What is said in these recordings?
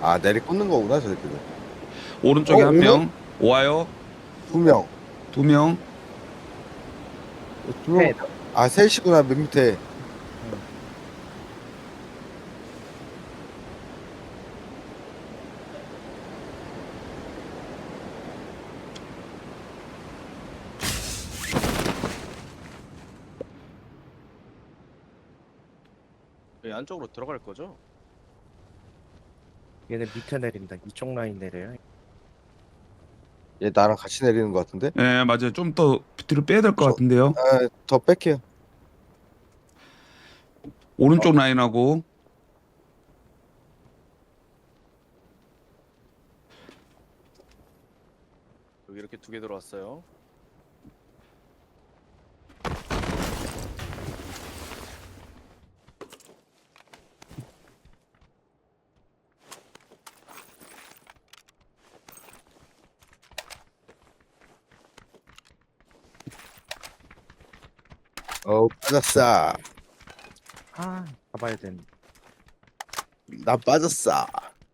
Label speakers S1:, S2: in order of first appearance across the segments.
S1: 아, 내리 꽂는 거구나, 저새끼들.
S2: 오른쪽에 한
S1: 오네?
S2: 명. 와요.
S1: 두 명.
S2: 두 명.
S1: 두 명. 아, 셋이구나, 맨 밑에.
S3: 응.
S4: 여기 안쪽으로 들어갈 거죠?
S3: 얘네 밑에 내린다. 이쪽 라인 내려요.
S1: 얘 나랑 같이 내리는 거 같은데?
S2: 예, 맞아요. 좀 더 뒤로 빼야 될 것
S1: 저-
S2: 같은데요.
S1: 아, 더 뺄게요.
S2: 오른쪽 라인하고.
S4: 여기 이렇게 두 개 들어왔어요.
S1: 빠졌어.
S3: 아, 가봐야 되는.
S1: 나 빠졌어.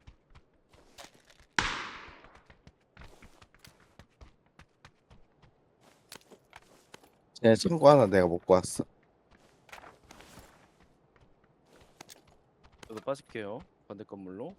S1: 쟤 창고 하나 내가 먹고 왔어.
S4: 저도 빠질게요. 반대 건물로.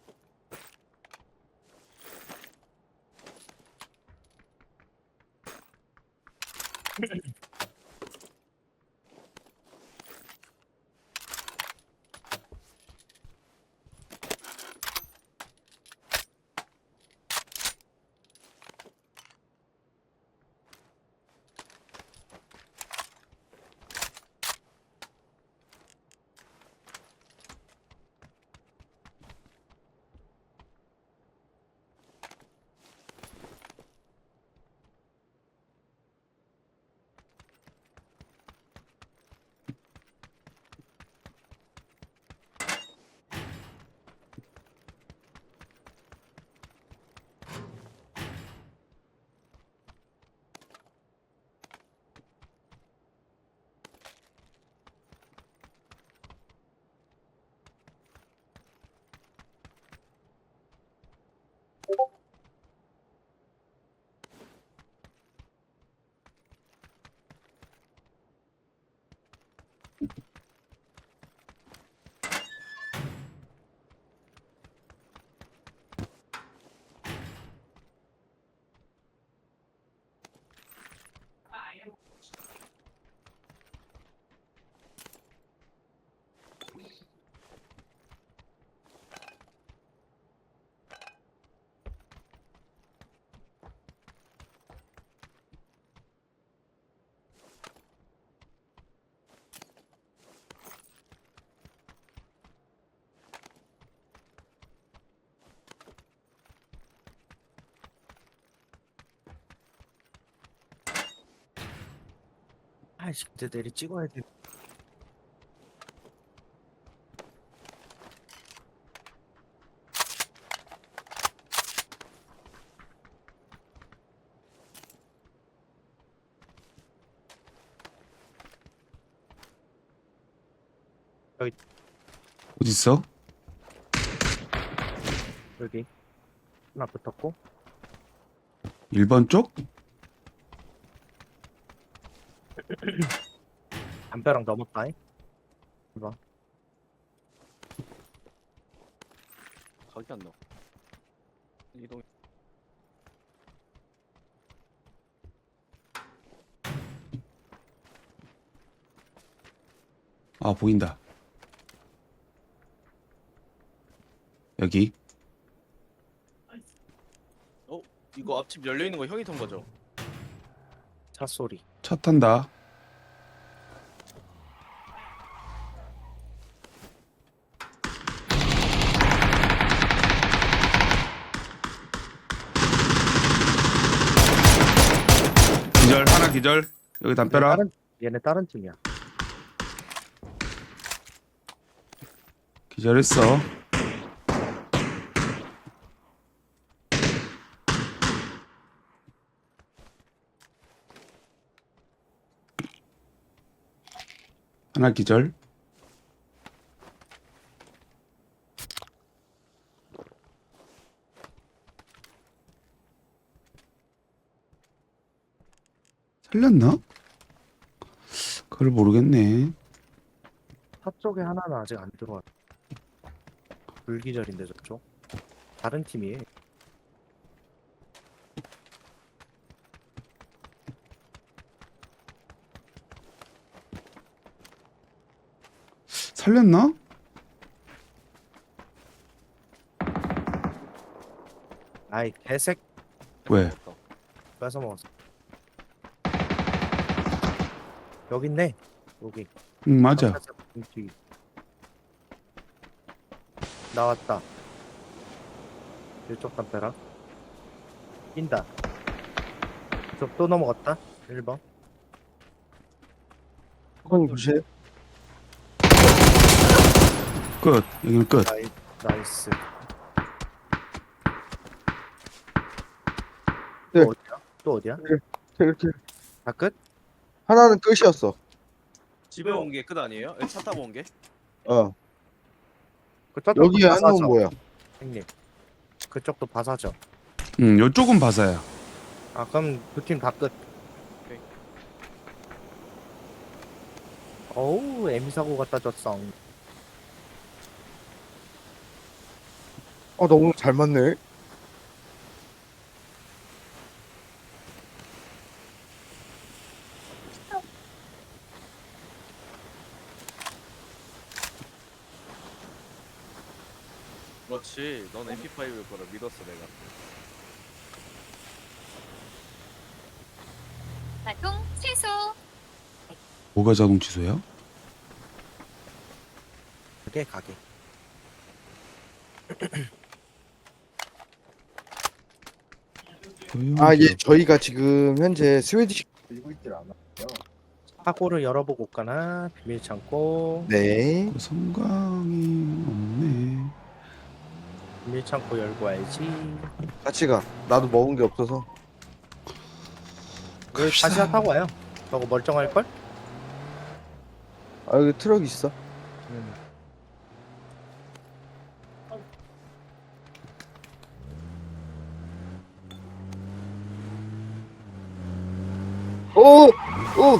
S3: 아이씨, 이제 내리 찍어야 돼.
S2: 어디 있어?
S3: 여기 하나 붙었고.
S2: 1번 쪽?
S3: 담벼락 넘었다잉. 이봐.
S4: 각이 안 나와. 이동.
S2: 아, 보인다. 여기.
S4: 이거 앞집 열려 있는 거 형이 탄 거죠?
S3: 차 소리.
S2: 차 탄다. 기절, 하나 기절. 여기 담벼락.
S3: 얘네 다른 팀이야.
S2: 기절했어. 하나 기절. 살렸나? 그걸 모르겠네.
S3: 서쪽에 하나는 아직 안 들어왔. 불기절인데 저쪽. 다른 팀이에요.
S2: 살렸나?
S3: 아이 개색
S2: 왜?
S3: 뺏어 먹었어. 여기 있네. 여기.
S2: 응, 맞아.
S3: 뒤. 나왔다. 이쪽 담벼락. 낀다. 이쪽 또 넘어갔다. 1번.
S1: 형 조심.
S2: 끝. 여기는 끝.
S3: 나이스.
S1: 네.
S3: 또 어디야? 또 어디야?
S1: 이렇게
S3: 다 끝?
S1: 하나는 끝이었어.
S4: 집에 온 게 끝 아니에요? 차 타고 온 게?
S1: 어.
S3: 그쪽도
S1: 여기 한
S3: 바사죠,
S1: 놈 뭐야?
S3: 형님. 그쪽도 바사죠.
S2: 응, 요쪽은 바사야.
S3: 아 그럼 두 팀 다 끝.
S4: 오케이.
S3: 어우 에미 사고 갖다 줬어.
S1: 나 오늘 잘 맞네.
S4: 그렇지. 넌 MP5일 거라 믿었어 내가.
S5: 자동 취소.
S2: 뭐가 자동 취소야?
S3: 가게.
S1: 예, 저희가 지금 현재 스웨디시 들고 있질 않아.
S3: 사고를 열어보고 올까나 비밀 창고.
S1: 네.
S2: 그 성광이 없네.
S3: 비밀 창고 열고 와야지.
S1: 같이 가. 나도 먹은 게 없어서.
S3: 여기 다시 타고 와요. 저거 멀쩡할 걸?
S1: 여기 트럭 있어. 오! 오!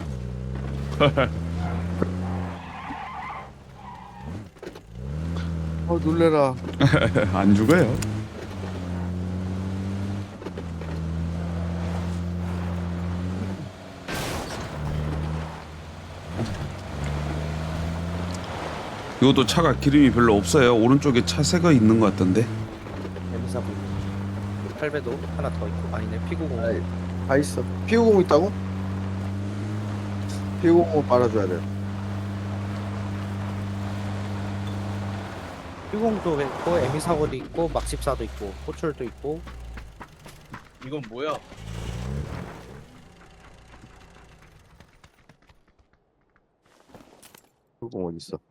S1: 놀래라.
S2: 안 죽어요. 이것도 차가 기름이 별로 없어요. 오른쪽에 차 새가 있는 것 같던데.
S3: 에미 사고. 8배도 하나 더 있고. 아니네 피구공.
S1: 아이, 다 있어. 피우공 있다고? 피우공을 빨아줘야 돼.
S3: 피구공도 있고 에미 사고도 있고 막십사도 있고 호출도 있고.
S4: 이건 뭐야?
S1: 피우공 어디 있어?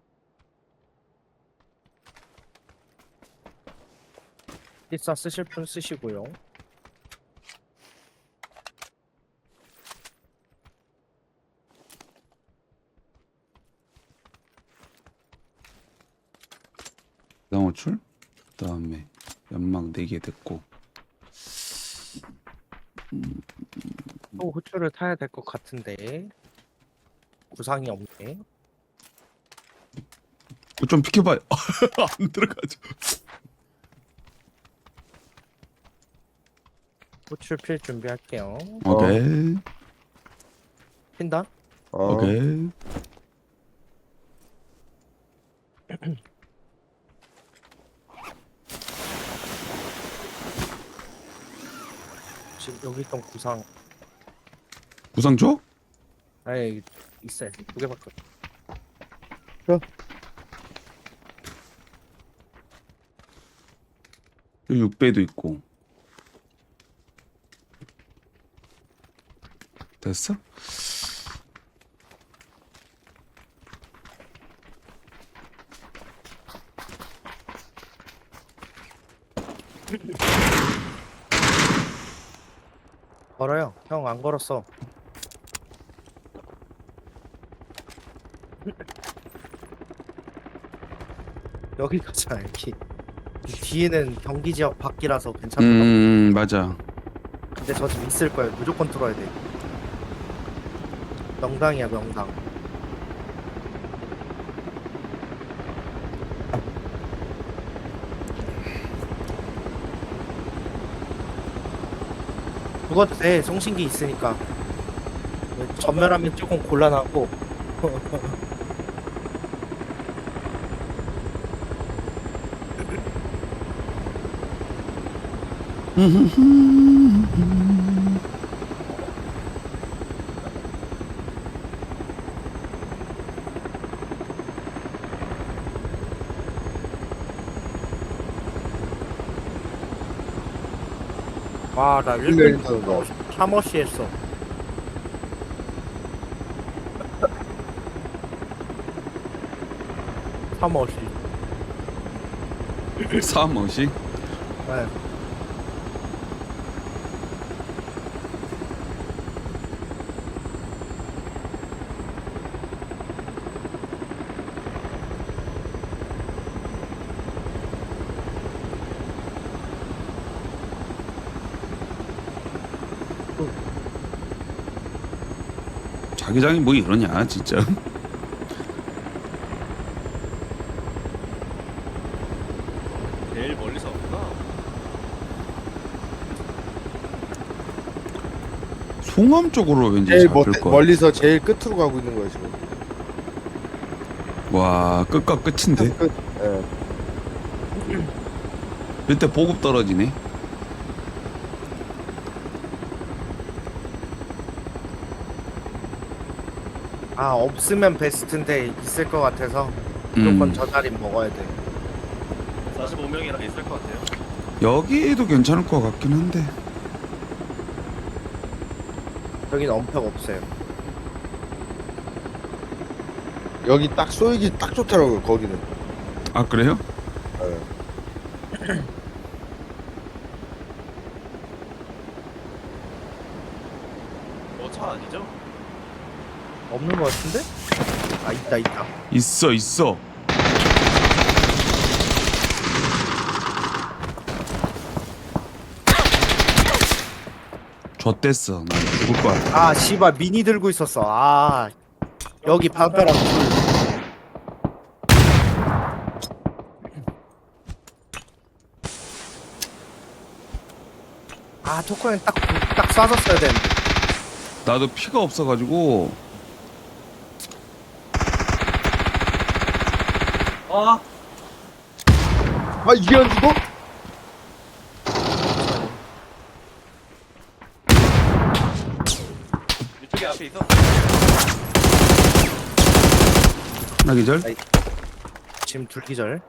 S3: 필사 쓰실 분 쓰시고요.
S2: 나호출 그다음에 연막 4개 됐고.
S3: 또 호출을 타야 될 것 같은데 구상이 없네.
S2: 좀 비켜봐요. 안 들어가죠.
S3: 호출 필 준비할게요.
S2: 오케이.
S3: 핀다.
S2: 오케이.
S3: 지금 여기 있던 구상.
S2: 구상 줘?
S3: 아예 있어요. 2개밖에 없어.
S2: 여기 6배도 있고. 됐어?
S3: 걸어요. 형 안 걸었어. 여기 가잖아 여기. 이 뒤에는 경기 지역 밖이라서 괜찮더라.
S2: 맞아.
S3: 근데 저 집 있을 거예요. 무조건 뚫어야 돼. 명당이야 명당. 죽어도 돼. 송신기 있으니까. 전멸하면 조금 곤란하고. 와, 나 1등
S1: 거.
S3: 샤머시 했어. 샤머시.
S2: 사머시.
S3: 네.
S2: 자기장이 뭐 이러냐 진짜.
S4: 제일 멀리서 왔구나.
S2: 송암 쪽으로 왠지
S1: 제일
S2: 잡힐 것.
S1: 멀리서 제일 끝으로 가고 있는 거야 지금.
S2: 와 끝과 끝인데.
S1: 끝. 예.
S2: 이때 보급 떨어지네.
S3: 아, 없으면 베스트인데 있을 것 같아서 무조건 저 자리 먹어야 돼.
S4: 45명이랑 있을 것 같아요.
S2: 여기도 괜찮을 것 같긴 한데.
S3: 여긴 엄폐가 없어요.
S1: 여기 딱 쏘이기 딱 좋더라고요 거기는.
S2: 아 그래요?
S1: 예.
S4: 차 아니죠?
S3: 없는 것 같은데? 아, 있다 있다.
S2: 있어 있어. 좆됐어. 난 죽을 것 같아.
S3: 아, 씨발 미니 들고 있었어. 아, 여기 방패랑 둘. 아, 토크는 딱 쏴줬어야 되는데.
S2: 나도 피가 없어가지고.
S4: 아,
S1: 아 이게 안 죽어?
S4: 이쪽에 앞에 있어.
S2: 하나 기절.
S3: 지금 둘기절.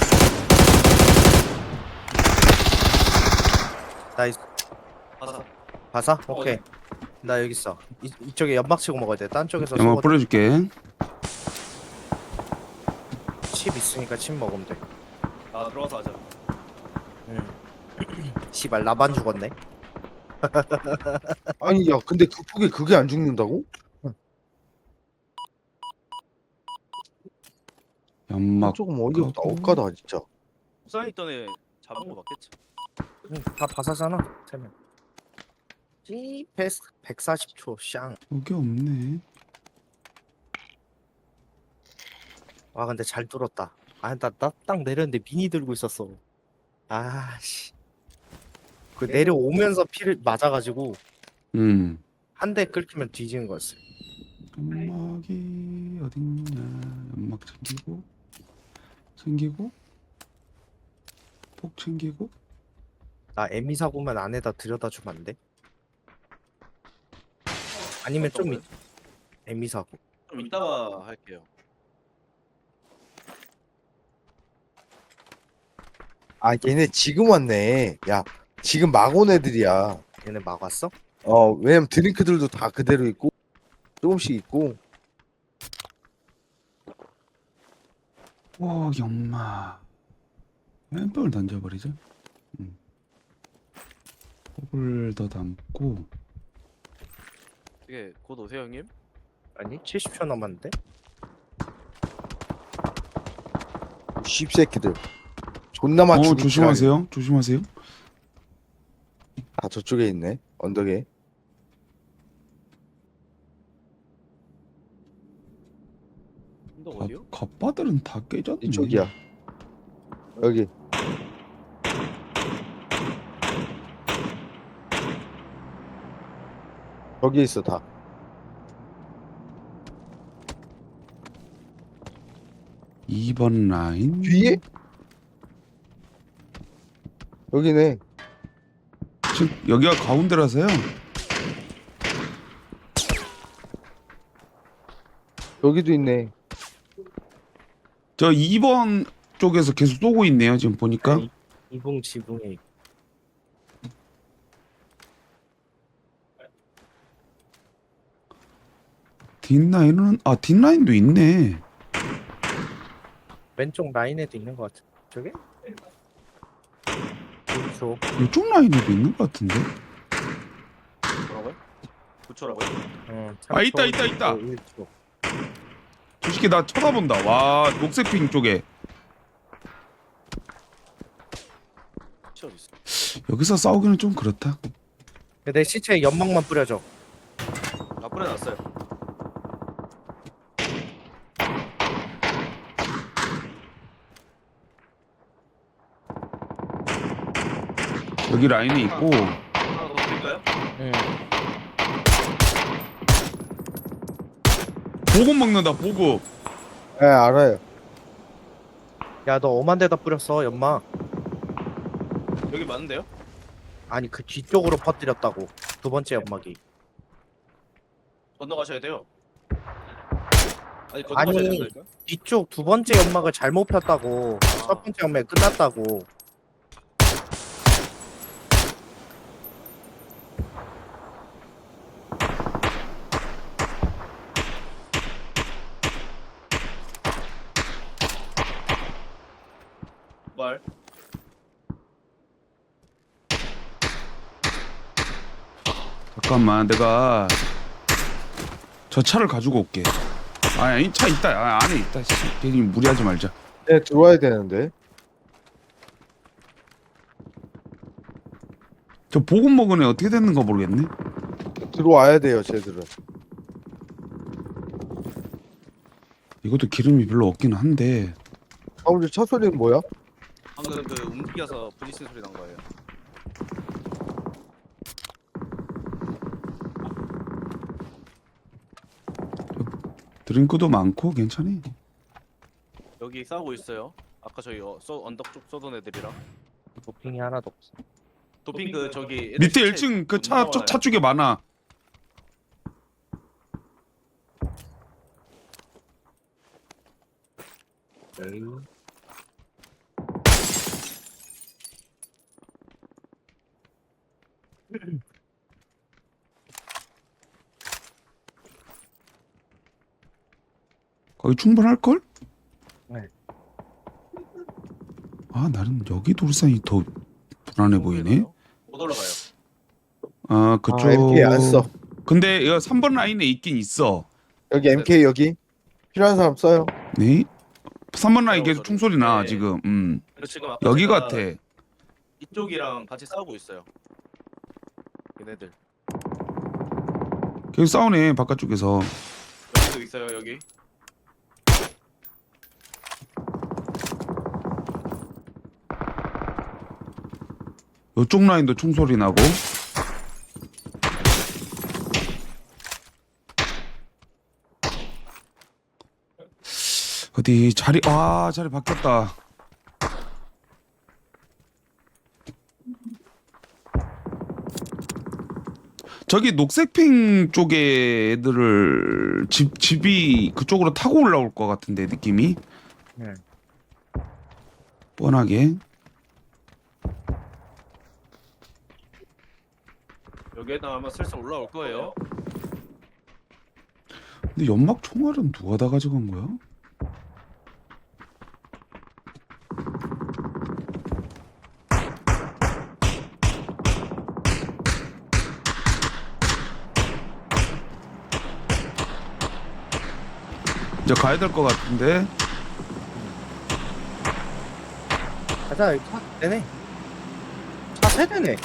S3: 나이스.
S4: 가사.
S3: 봐서? 오케이. 나 여기 있어. 이쪽에 연막 치고 먹어야 돼. 딴 쪽에서
S2: 연막
S3: 쏘고
S2: 뿌려줄게.
S3: 칩 있으니까 칩 먹으면 돼.
S4: 아, 들어가서 하자.
S3: 응. 씨발 나만 죽었네.
S1: 아니 야 근데 극폭에 그게 안 죽는다고?
S2: 연막.
S1: 조금 어이없다.
S2: 까고.
S1: 억까다 진짜.
S4: 부산에 있던 애 잡은 거 맞겠지?
S3: 응, 다 바사잖아. 세 명. 찌 패스 140초 샹.
S2: 여기 없네.
S3: 와 근데 잘 뚫었다. 아 나 딱 내렸는데 미니 들고 있었어. 아씨. 그 내려오면서 피를 맞아가지고 한 대 끌키면 뒤지는 거였어.
S2: 연막이 어딨냐. 연막 챙기고 폭 챙기고.
S3: 나 에미 사고만 안에다 들여다 주면 안 돼? 아니면 좀 에미 사고.
S4: 좀 이따가 할게요.
S1: 아 얘네 지금 왔네. 야 지금 막 온 애들이야.
S3: 얘네 막 왔어?
S1: 왜냐면 드링크들도 다 그대로 있고 조금씩 있고.
S2: 와 연막. 왼병을 던져버리죠. 폭을 더 담고.
S4: 이게 곧 오세요 형님?
S3: 아니 70초 남았는데?
S1: 씹새끼들. 존나 맞추고.
S2: 조심하세요. 조심하세요.
S1: 아 저쪽에 있네. 언덕에.
S4: 언덕 어디요?
S2: 겉바들은 다 깨졌네.
S1: 이쪽이야. 여기. 저기 있어 다.
S2: 이번 라인
S1: 뒤에? 여기네.
S2: 지금 여기가 가운데라서요.
S1: 여기도 있네.
S2: 저 2번 쪽에서 계속 쏘고 있네요. 지금 보니까.
S3: 이붕 지붕에
S2: 뒷라인은 뒷라인도 있네.
S3: 왼쪽 라인에도 있는 것 같아. 저게? 그렇죠.
S2: 이쪽 라인에도 있는 것 같은데.
S4: 뭐라고요? 9초라고요?
S2: 있다.
S3: 1초.
S2: 저 새끼 나 쳐다본다. 와, 녹색핑 쪽에.
S4: 치 어디 있어?
S2: 여기서 싸우기는 좀 그렇다.
S3: 내 시체에 연막만 뿌려줘.
S4: 아 뿌려놨어요.
S2: 여기 라인이 있고.
S4: 하나 더 드릴까요?
S3: 응.
S2: 보급 먹는다. 보급.
S1: 예, 알아요.
S3: 야, 너 엄한 데다 뿌렸어, 연막.
S4: 여기 맞는데요?
S3: 아니, 그 뒤쪽으로 퍼뜨렸다고. 두 번째 연막이.
S4: 건너가셔야 돼요. 아니 건너가셔야
S3: 아니.
S4: 된다니까요?
S3: 뒤쪽 두 번째 연막을 잘못 폈다고. 첫 번째 연막이 끝났다고.
S4: 말.
S2: 잠깐만, 내가 저 차를 가지고 올게. 아니, 차 있다. 안에 있다. 씨, 괜히 무리하지 말자.
S1: 네, 들어와야 되는데.
S2: 저 보급 먹은 애 어떻게 됐는가 모르겠네.
S1: 들어와야 돼요, 쟤들은.
S2: 이것도 기름이 별로 없긴 한데.
S1: 오늘 차 소리는 뭐야?
S4: 방금 그 움직여서 부딪힌 소리 난 거예요.
S2: 드링크도 많고 괜찮이.
S4: 여기 싸우고 있어요. 아까 저희 언덕 쪽 쏘던 애들이랑
S3: 도핑이 하나도 없어.
S4: 도핑 그 저기 애들
S2: 밑에
S4: 시체
S2: 1층 그
S4: 너무
S2: 차 쪽에 많아. 거기 충분할 걸?
S3: 네.
S2: 아, 나는 여기 돌산이 더 불안해 보이네.
S4: 못 올라가요.
S2: 아, 그쪽.
S1: 아, MK 안 써.
S2: 근데 이거 3번 라인에 있긴 있어.
S1: 여기 MK 여기. 필요한 사람 써요.
S2: 네. 3번 라인
S4: 어,
S2: 계속 총소리 나
S4: 네.
S2: 지금.
S4: 그리고 지금 아까
S2: 여기
S4: 제가
S2: 같아.
S4: 이쪽이랑 같이 싸우고 있어요. 얘네들
S2: 계속 싸우네 바깥쪽에서.
S4: 여기도 있어요. 여기
S2: 이쪽 라인도 총소리 나고. 어디 자리 자리 바뀌었다. 저기 녹색핑 쪽에 애들을 집이 그쪽으로 타고 올라올 것 같은데 느낌이.
S3: 네.
S2: 뻔하게.
S4: 여기에다 아마 슬슬 올라올 거예요.
S2: 근데 연막 총알은 누가 다 가져간 거야? 이제 가야 될 것 같은데.
S3: 가자, 차 되네. 차 세대네.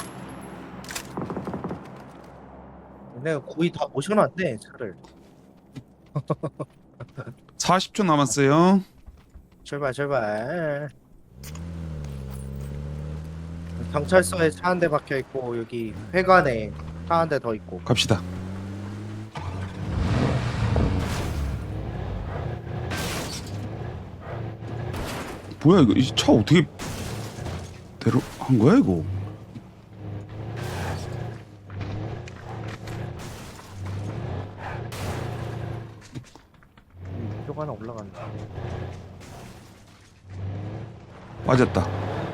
S3: 내가 거의 다 모셔놨네, 차를.
S2: 40초 남았어요.
S3: 출발 출발. 경찰서에 차 한 대 박혀 있고 여기 회관에 차 한 대 더 있고.
S2: 갑시다. 뭐야 이거 이 차 어떻게 한 거야 이거?
S3: 이쪽 하나 올라간다.
S2: 빠졌다.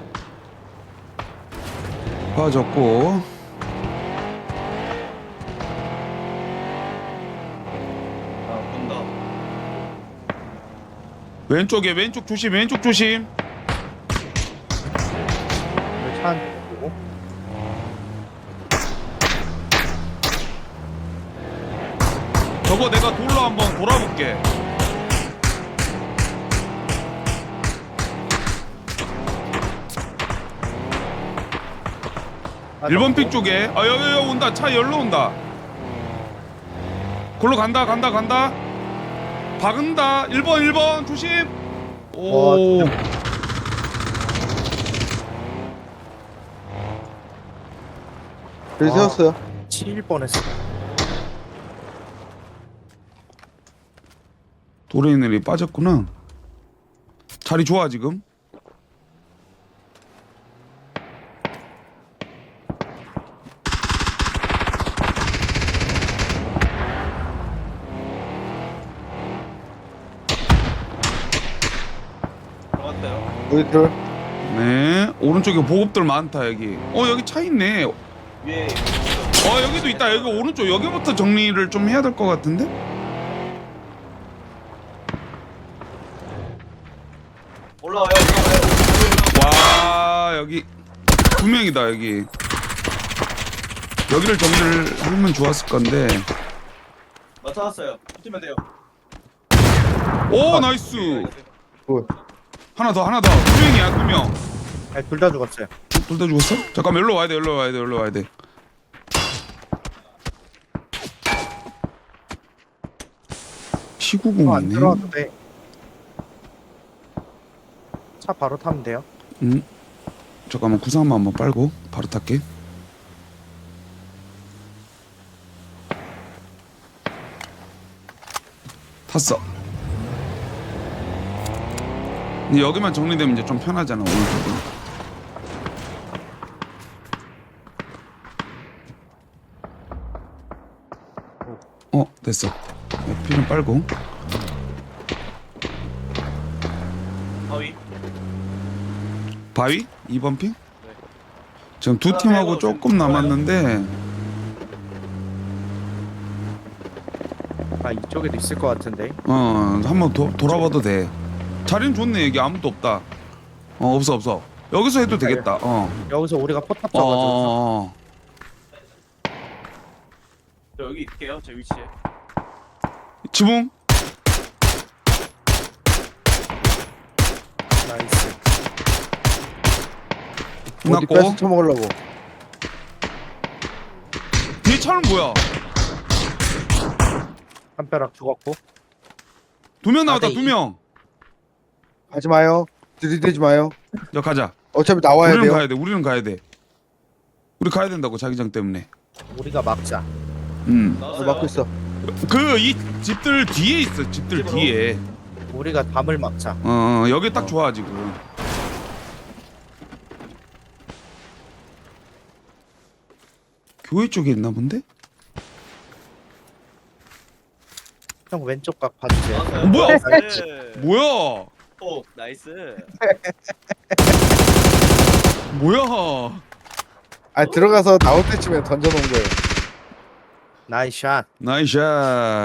S2: 빠졌고
S4: 아 본다.
S2: 왼쪽에 왼쪽 조심 왼쪽 조심.
S3: 여기 차 한 대 보고.
S2: 저거 내가 돌로 한번 돌아볼게.
S3: 아,
S2: 1번 픽
S3: 뭐?
S2: 쪽에 여기 온다. 차 열로 온다. 골로 간다. 박은다. 1번 조심. 오.
S1: 여기 세웠어요.
S3: 치일 뻔했어.
S2: 도레이넬이 빠졌구나. 자리 좋아 지금.
S4: 들어갔어요.
S1: 여기 들어.
S2: 네. 오른쪽에 보급들 많다 여기. 여기 차 있네.
S4: 위에
S2: 여기도 있다. 여기 오른쪽 여기부터 정리를 좀 해야 될 것 같은데.
S4: 올라와요.
S2: 와 여기 2명이다 여기. 여기를 정리를 하면 좋았을 건데.
S4: 맞춰놨어요. 붙으면 돼요.
S2: 오 나이스. 하나 더 2명이야 2명.
S3: 둘 다 죽었어요.
S2: 둘 다 죽었어? 잠깐만 여기로 와야 돼.
S3: 안
S2: 시구공이네.
S3: 들어와도 돼. 차 바로 타면 돼요.
S2: 잠깐만 구상만 한번 빨고 바로 탈게. 탔어. 근데 여기만 정리되면 이제 좀 편하잖아 오른쪽은. 됐어. 피 좀 빨고.
S4: 바위.
S2: 바위? 2번 핑? 지금 두 팀하고 조금 남았는데
S3: 아 이쪽에도 있을 것 같은데.
S2: 한번 돌아봐도 돼. 자리는 좋네. 여기 아무도 없다. 없어. 여기서 해도 되겠다.
S3: 여기서 우리가 포탑 잡아줘.
S4: 저 여기 있을게요. 제 위치에.
S2: 지붕?
S3: 나이스.
S1: 어디
S2: 끝났고.
S1: 뺏어 처먹으려고.
S2: 뒤에 차는 뭐야?
S3: 한 벼락 죽었고.
S2: 2명 나왔다.
S3: 네,
S2: 2명.
S1: 하지 마요. 들이대지 마요.
S2: 야 가자.
S1: 어차피 나와야
S2: 우리는
S1: 돼요.
S2: 가야 돼. 우리 가야 된다고 자기장 때문에.
S3: 우리가 막자.
S4: 나왔어요.
S1: 막고 있어.
S2: 이 집들 뒤에 있어. 집들
S4: 집으로?
S2: 뒤에.
S3: 우리가 담을 막자.
S2: 여기 딱 좋아 지금. 교회 쪽에 있나 본데?
S3: 형 왼쪽 각 봐주세요.
S4: 나왔어요.
S2: 뭐야?
S4: 나이스.
S2: 뭐야?
S4: 오 나이스.
S2: 뭐야?
S1: 들어가서 나올 때쯤에 던져놓은 거예요.
S3: 나이스 샷.
S2: 나이스 샷.